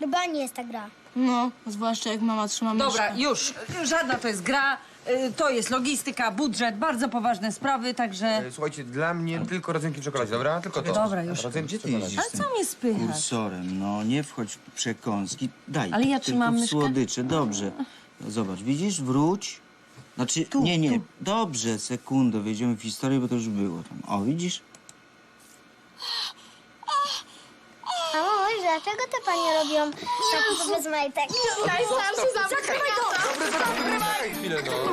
Chyba nie jest ta gra. No, zwłaszcza jak mama trzyma myszkę. Dobra, już. Żadna to jest gra. To jest logistyka, budżet, bardzo poważne sprawy, także... Słuchajcie, dla mnie tylko rodzynki w czekoladzie, dobra? Tylko to. Dobra, już. Rodzynki Gdzie ty jeździsz Ale z tym co mnie spychasz? kursorem? No, nie wchodź w przekąski. Daj, Ale ja tylko trzymam w myszkę. słodycze, dobrze. Zobacz, widzisz? Wróć. Znaczy, nie. Dobrze, sekundę, wejdziemy w historię, bo to już było tam. O, widzisz? A mamo, dlaczego te panie robią zakupy bez majtek? Daj, sam się zamknę. Chwilę, no.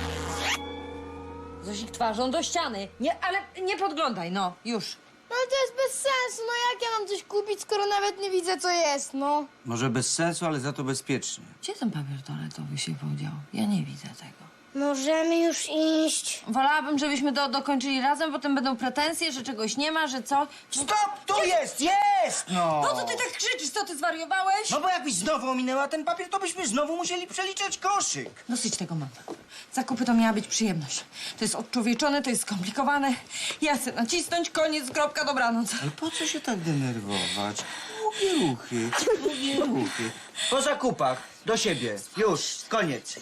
Zosik twarzą do ściany. Nie, ale nie podglądaj, no, już. No ale to jest bez sensu, no jak ja mam coś kupić, skoro nawet nie widzę, co jest, no. Może bez sensu, ale za to bezpiecznie. Gdzie ten papier toaletowy się podział? Ja nie widzę tego. Możemy już iść. Wolałabym, żebyśmy dokończyli razem, potem będą pretensje, że czegoś nie ma, że co. Stop! Tu jest! Jest! No! No to ty tak krzyczysz, co ty zwariowałeś? No bo jakbyś znowu ominęła ten papier, to byśmy znowu musieli przeliczać koszyk. Dosyć tego mam. Zakupy to miała być przyjemność. To jest odczłowieczone, to jest skomplikowane. Ja chcę nacisnąć, koniec, kropka, dobranoc. Ale po co się tak denerwować? Długie ruchy. Po zakupach, do siebie. Już, koniec.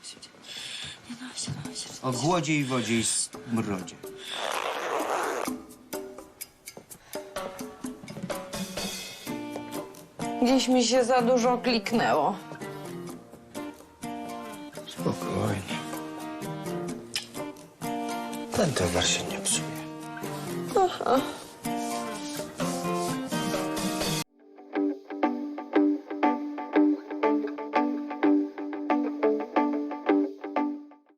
O głodzie i wodzie i smrodzie. Gdzieś mi się za dużo kliknęło. Spokojnie. Ten towar się nie psuje.